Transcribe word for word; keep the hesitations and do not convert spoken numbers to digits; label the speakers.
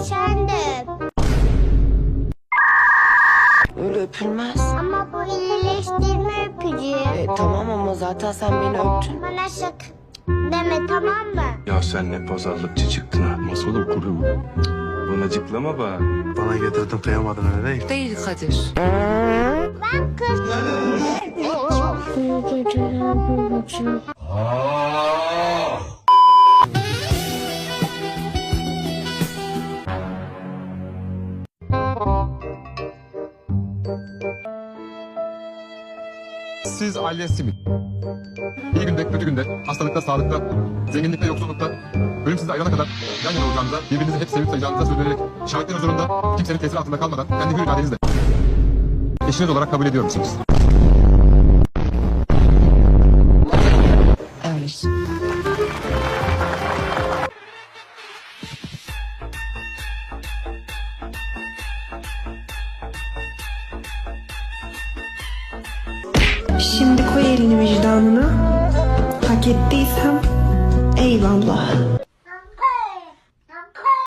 Speaker 1: sen de öp.
Speaker 2: Öyle öpülmez.
Speaker 1: Ama bu iyileştirme öpücüğü.
Speaker 2: E, tamam ama zaten sen beni öptün.
Speaker 1: Bana sakın deme, tamam mı?
Speaker 3: Ya sen ne pazarlıkçı çıktın ha.
Speaker 4: Masalı kurum.
Speaker 3: Bana cıklama bana.
Speaker 4: Bana getirdin kıyamadın öyle değil.
Speaker 2: Değil Kadir.
Speaker 1: Ben kız. İyi geceler babacığım.
Speaker 4: Siz aile simit. İyi günde, kötü günde, hastalıkta, sağlıkta, zenginlikte, yoksullukta, ölüm sizi ayırana kadar yan yana olacağınıza, birbirinizi hep sevip sayacağınıza söz vererek, şahitlerin huzurunda kimsenin tesiri altında kalmadan kendi hür iradenizle eşiniz olarak kabul ediyor musunuz?
Speaker 2: Evet.
Speaker 5: Şimdi koy elini vicdanına. Hak ettiysem eyvallah.